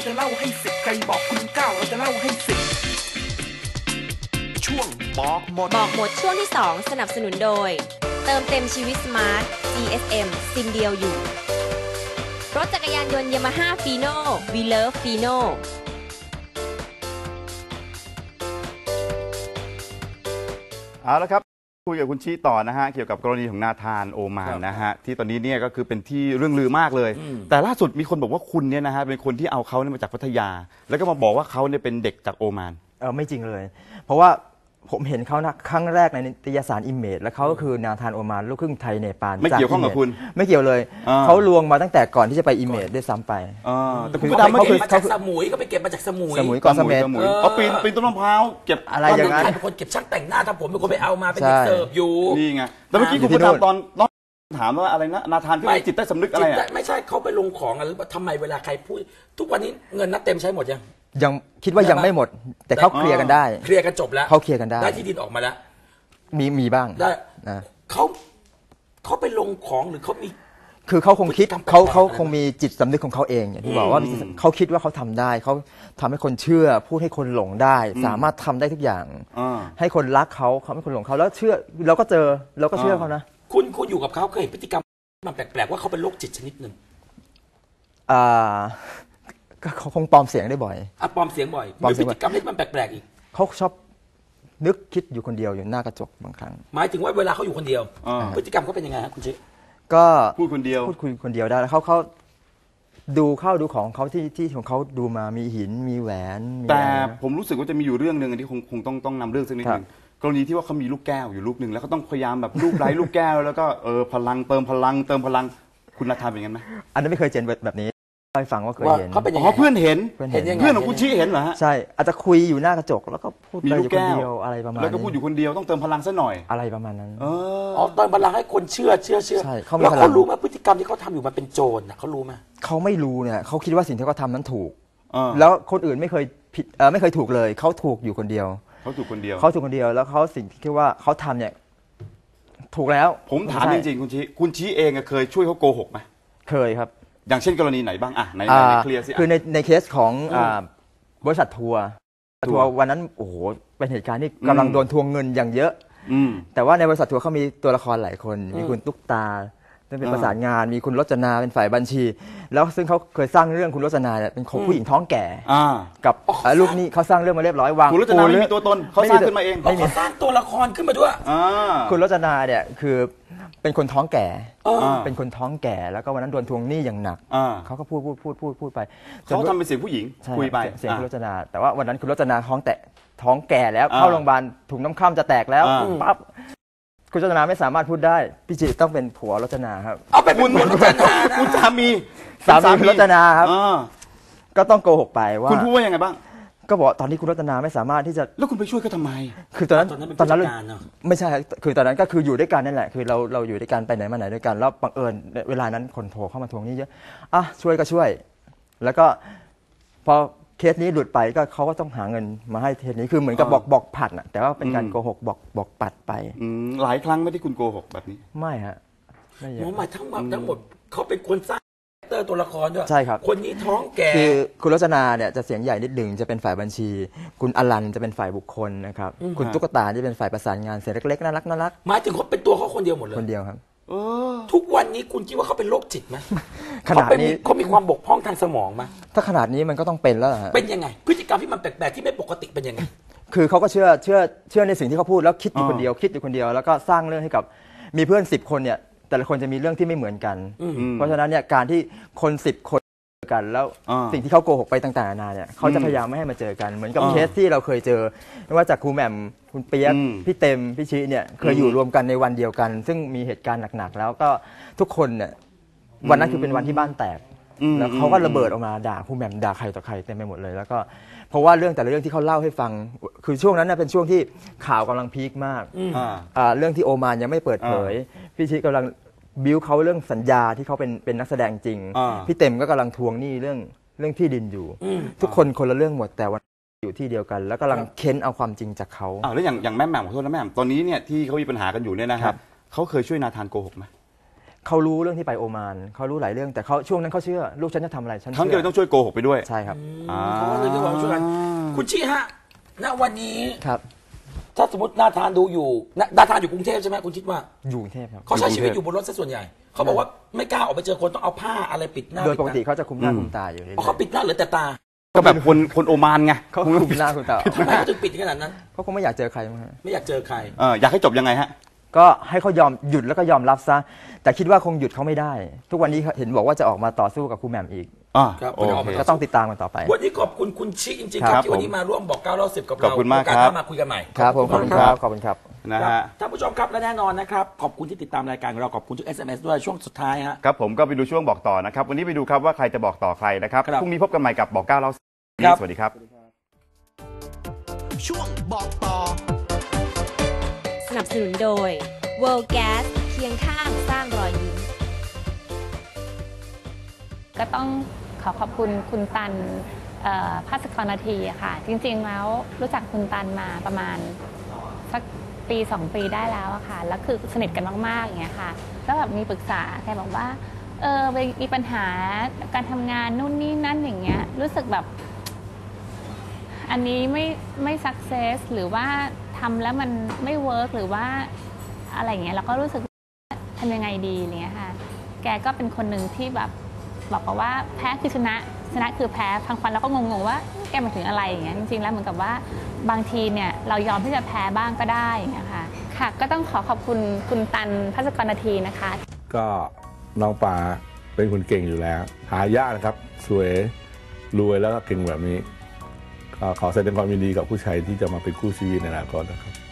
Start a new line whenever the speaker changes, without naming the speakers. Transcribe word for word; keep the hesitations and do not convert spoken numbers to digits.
จะเล่าให้สิบใครบอกคุณเก้าเราจะเล่าให้สิบช่วงบอกหมด
บอกหมดช่วงที่สองสนับสนุนโดยเติมเต็มชีวิตสมาร์ท จี เอส เอ็ม ซิมเดียวอยู่รถจักรยานยนต์ยามาฮ่าฟีโน่วีเลิฟฟีโน่
เอาละครับคุยกับคุณชี้ต่อนะฮะเกี่ยวกับกรณีของนาธานโอมานนะฮะที่ตอนนี้เนี่ยก็คือเป็นที่เรื่องลือมากเลยแต่ล่าสุดมีคนบอกว่าคุณเนี่ยนะฮะเป็นคนที่เอาเขาเนี่ยมาจากพัทยาแล้วก็มาบอกว่าเขาเนี่ยเป็นเด็กจากโอมาน
เออไม่จริงเลยเพราะว่าผมเห็นเขานะครั้งแรกในนิตยสารอิมเมจแล้วเขาก็คือนาธานโอมานลูกครึ่งไทยเนปาล
ไม่เกี่ยวข้องกับคุณ
ไม่เกี่ยวเลยเขาลวงมาตั้งแต่ก่อนที่จะไปอิมเมจด้วยซ้ำไป
แต่คุณก็เขาเก็บมาจากสมุยก็ไปเก็บมาจากสมุย
สมุยก่อนสมุย
เขาปีนปีนต้นมะพร้าวเก็บ
อะไรอย่างนั้น
เป็นคนเก็บช่างแต่งหน้าถ้าผมเป็นคนไปเอามาเป็นเด็กเสิร์ฟอยู่
นี่ไงแต่เมื่อกี้คุณประจำตอนถามว่าอะไรนะนาธานที่จิตใต้สำนึกอะไรอ่ะ
ไม่ใช่เขาไปลงของอะไรทำไมเวลาใครพูดทุกวันนี้เงินนัดเต็มใช้หมดยัง
ยังคิดว่ายังไม่หมดแต่เขาเคลียร์กันได้
เคลียร์กันจบแล้ว
เขาเคลียร์กันได้
ได้ที่ดินออกมาแล้ว
มีมีบ้าง
ได้นะเขาเขาไปลงของหรือเขามี
คือเขาคงคิดเขาเขาคงมีจิตสำนึกของเขาเองอย่างที่บอกว่าเขาคิดว่าเขาทำได้เขาทำให้คนเชื่อพูดให้คนหลงได้สามารถทำได้ทุกอย่างให้คนรักเขาเขาให้คนหลงเขาแล้วเชื่อเราก็เจอเราก็เชื่อเขานะ
คุณคุณอยู่กับเขาเคยเห็นพฤติกรรมมันแปลกๆว่าเขาเป็นโรคจิตชนิดหนึ่ง
อ่าก็เขาคงปลอมเสียงได้บ่อย
อ่ะปลอมเสียงบ่อยมีพฤติกรรมที่มันแปลกๆอีก
เขาชอบนึกคิดอยู่คนเดียวอยู่หน้ากระจกบางครั้ง
หมายถึงว่าเวลาเขาอยู่คนเดียวพฤติกรรมเขาเป็นยังไงครับคุณชิ
ก็
พูดคนเดียว
พูดคุยคนเดียวได้แล้วเขาเขาดูเข้าดูของเขาที่ที่ของเขาดูมามีหินมีแหวน
แต่ผมรู้สึกว่าจะมีอยู่เรื่องหนึ่งที่คงคงต้องต้องนำเรื่องสักนิดนึงกรณีที่ว่าเขามีลูกแก้วอยู่ลูกหนึ่งแล้วก็ต้องพยายามแบบลูกไร้ลูกแก้วแล้วก็เออพลังเติมพลังเติมพลังคุณนาธานเป็นงั้นไหม
อันนั้นไม่เคยเจอแบบนี้ไปฟังว่าเคยเห็น
เขาเป็นยังไงเพื่อนเห็นเพื่อนของคุณชี้เห็นเหรอฮะ
ใช่อาจจะคุยอยู่หน้ากระจกแล้วก็พูดไปอยู่คนเดียวอะไรประมาณ
แล้วก็พูดอยู่คนเดียวต้องเติมพลังซะหน่อย
อะไรประมาณนั้น
อ๋อเติมพลังให้คนเชื่อเชื่อเชื่อ
ใช่
แล้วเขารู้ไหมพฤติกรรมที่เขาทำอยู่มันเป็นโจรนะเขารู้ไหม
เขาไม่รู้เนี่ยเขาคิดว่าสิ่งที่เขาทำนั้นถูกแล้วคนอื่นไม่เคยผิดไม่เคยถูกเลยเขาถูกอยู่คนเดียว
เขาถูกคนเดียว
เขาถูกคนเดียวแล้วเขาสิ่งที่คิดว่าเขาทำเนี่ยถูกแล้ว
ผมถามจริงๆคุณชี้คุณชี้เองเคยช่วยเขาโกหกไหม
เคยครับ
อย่างเช่นกรณีไหนบ้างอ่ะในเคลียร์สิ
คือในในเคสของบริษัททัวร์ทัวร์วันนั้นโอ้โหเป็นเหตุการณ์ที่กำลังโดนทวงเงินอย่างเยอะแต่ว่าในบริษัททัวร์เขามีตัวละครหลายคนมีคุณตุ๊กตาเป็นประสานงานมีคุณรจนาเป็นฝ่ายบัญชีแล้วซึ่งเขาเคยสร้างเรื่องคุณรจนาเนี่ยเป็นของผู้หญิงท้องแก่กับลูกนี่เขาสร้างเรื่องมาเรียบร้อยวาง
คุณรจนาไม่มีตัวตนเขาสร้างขึ้นมาเอง
เขาสร้างตัวละครขึ้นมาด้วย
คุณรจนาเนี่ยคือเป็นคนท้องแก่เป็นคนท้องแก่แล้วก็วันนั้นโดนทวงหนี้อย่างหนักเขาก็พูดพูดพูดพูดพูดไป
เขาทำเป็นเสียงผู้หญิงคุยไป
เสียงคุณรจนาแต่ว่าวันนั้นคุณรจนาท้องแตะท้องแก่แล้วเข้าโรงพยาบาลถุงน้ำข้ามจะแตกแล้วปั๊บคุณรจนาไม่สามารถพูดได้พี่จิต้องเป็นผัวรจนาครับ
เอาไปเป็นรจนา
คุณสามี
สามีคุณรจนาครับก็ต้องโกหกไปว่า
คุณพูดว่ายังไงบ้าง
ก็บอกตอนนี้คุณรัตนาไม่สามารถที่จะ
แล้วคุณไปช่วยเขาทำไม
คือตอนนั้นตอนนั้นไม่ใช่คือตอนนั้นก็คืออยู่ด้วยกันนั่นแหละคือเราเราอยู่ด้วยกันไปไหนมาไหนด้วยกันแล้วบังเอิญเวลานั้นคนโทรเข้ามาทวงหนี้เยอะอ่ะช่วยก็ช่วยแล้วก็พอเคสนี้หลุดไปก็เขาก็ต้องหาเงินมาให้เคสนี้คือเหมือนกับบอกบอกผัดนะแต่ว่าเป็นการโกหกบอกบอกปัดไป
หลายครั้งไม่ได้คุณโกหกแบบนี้
ไม่ฮะ
ไม่หมอหมายทั้งหมดทั้งหมดเขาเป็นคนสร้างเตอร์ตัวละครด้วย
ใช่ครับ
คนนี้ท้องแก่
คือคุณรจนาเนี่ยจะเสียงใหญ่นิดหนึ่งจะเป็นฝ่ายบัญชีคุณอลันจะเป็นฝ่ายบุคคลนะครับคุณตุ๊กตาที่เป็นฝ่ายประสานงานเสียงเล็กๆน่ารักน่ารัก
หมายถึงเขาเป็นตัวเขาคนเดียวหมดเลย
คนเดียวครับ
ทุกวันนี้คุณคิดว่าเขาเป็นโรคจิตไหม
ขนาดนี้
เขามีความบกพร่องทางสมองไหม
ถ้าขนาดนี้มันก็ต้องเป็นแล้ว
เป็นยังไงพฤติกรรมที่มันแปลกๆที่ไม่ปกติเป็นยังไง
คือเขาก็เชื่อเชื่อเชื่อในสิ่งที่เขาพูดแล้วคิดอยู่คนเดียวคิดอยู่คนเดียวแล้วก็สร้างเรื่องให้กับมีเพื่อนสิบคนเนี่ยแต่ละคนจะมีเรื่องที่ไม่เหมือนกันเพราะฉะนั้นเนี่ยการที่คนสิบคนกันแล้วสิ่งที่เขาโกหกไปต่างๆนานาเนี่ยเขาจะพยายามไม่ให้มาเจอกันเหมือนกับเคสที่เราเคยเจอไม่ว่าจากครูแหม่มคุณเปียกพี่เต็มพี่ชิเนี่ยเคยอยู่รวมกันในวันเดียวกันซึ่งมีเหตุการณ์หนักๆแล้วก็ทุกคนเนี่ยวันนั้นคือเป็นวันที่บ้านแตกแล้วเขาก็ระเบิดออกมาด่าครูแหม่มด่าใครต่อใครเต็มไปหมดเลยแล้วก็เพราะว่าเรื่องแต่ละเรื่องที่เขาเล่าให้ฟังคือช่วงนั้นเป็นช่วงที่ข่าวกำลังพีคมากเรื่องที่โอมานยังไม่เปิดเผยพี่ชิกำลังบิวเขาเรื่องสัญญาที่เขาเป็นเป็นนักแสดงจริงพี่เต็มก็กำลังทวงหนี้เรื่องเรื่องที่ดินอยู่ทุกคนคนละเรื่องหมดแต่วันอยู่ที่เดียวกันแล้วกำลังเค้นเอาความจริงจากเขา
อ้าวแล้วอย่างอย่างแม่แหม่มขอโทษนะแม่แหม่มตอนนี้เนี่ยที่เขามีปัญหากันอยู่เนี่ยนะครับเขาเคยช่วยนาธานโกหกไหม
เขารู้เรื่องที่ไปโอมานเขารู้หลายเรื่องแต่เขาช่วงนั้นเขาเชื่อลูกฉันจะทำอะไรฉัน
ครั้ง
เชื่
เดียวต้องช่วยโกหกไปด้วย
ใช่ครับ
อ่า
เขาก็เลยจะบอกช่วยกันคุณชี้ฮะณวันนี้
ครับ
ถ้าสมมตินาธานดูอยู่นานาธานอยู่กรุงเทพใช่ไหมคุณคิดว่า
อยู่กรุงเทพครับ
เขาใช้ชีวิตอยู่บนรถซะส่วนใหญ่เขาบอกว่าไม่กล้าออกไปเจอคนต้องเอาผ้าอะไรปิดหน้า
โดยปกติ
ด
เขาจะคุมหน้า
อืม
คุมตาอยู่เรื่อย
อ๋อเขาปิดหน้าเหรือแต่ตา
ก็แบบคนคนโอมานไง
ๆเขาคุมหน้าคุมตา
ทำไมเขาถึงปิดขนาดนั้น
เขาคงไม่อยากเจอใครมั้งฮะ
ไม่อยากเจอใคร
เอออยากให้จบยังไงฮะ
ก็ให้เขายอมหยุดแล้วก็ยอมรับซะแต่คิดว่าคงหยุดเขาไม่ได้ ทุกวันนี้เห็นบอกว่าจะออกมาต่อสู้กับครูแหม่มอีก
อ่า
ครับ
โอเค
ก็ต้องติดตามกันต่อไป
วันนี้ขอบคุณคุณชิจริงๆ
ค
ค
รั
รั
บบ
ที่วันนี้มาร่วมบอกเก้าเล่าสิบกับเรา
ขอบคุณมาก
โอกส
ครับ
หน้มาคุยกันใหม่
ครับผมขอบคุณครับขอบคุณครับ
นะ
ครับ
ฮะ
ท่านผู้ชมครับและแน่นอนนะครับขอบคุณที่ติดตามรายการของเราขอบคุณทุก เอส เอ็ม เอส ด้วยช่วงสุดท้ายฮะ
ครับผมก็ไปดูช่วงบอกต่อนะครับ วันนี้ไปดูครับว่าใครจะบอกต่อใครนะครับ
ครับ
พรุ่งนี้พบกันใหม่กับบอกเก้าเล่าสิบ
ครับ
สวัสดีครับ
ช่วงบอกต่อ
สนับสนุนโดย World Gas เคียงข้างสร้างรอยยิ้ม
ก็ต้องขอขอบคุณคุณตันเอ่อภาสกรนาทีอะค่ะ จริงๆแล้วรู้จักคุณตันมาประมาณสักปีสองปีได้แล้วอะค่ะแล้วคือสนิทกันมากๆอย่างเงี้ยค่ะแล้วแบบมีปรึกษาแกบอกว่าเออมีปัญหาการทำงานนู่นนี่นั่นอย่างเงี้ยรู้สึกแบบ อันนี้ไม่ไม่สักเซสหรือว่าทำแล้วมันไม่เวิร์กหรือว่าอะไรอย่างเงี้ยเราก็รู้สึกทำยังไงดีอะไรเงี้ยค่ะแกก็เป็นคนหนึ่งที่แบบบอกว่าแพ้คือชนะชนะคือแพ้ทางฟันเราก็งงๆว่าแกหมายถึงอะไรอย่างเงี้ยจริงๆแล้วเหมือนกับว่าบางทีเนี่ยเรายอมที่จะแพ้บ้างก็ได้อย่างเงี้ยค่ะค่ะก็ต้องขอขอบคุณคุณตันภัสกรนาทีนะคะ
ก็น้องปลาเป็นคนเก่งอยู่แล้ว หายากนะครับ สวยรวยแล้วก็เก่งแบบนี้ก็ขอแสดงความยินดีกับผู้ชายที่จะมาเป็นคู่ชีวิตในอนาคตนะครับ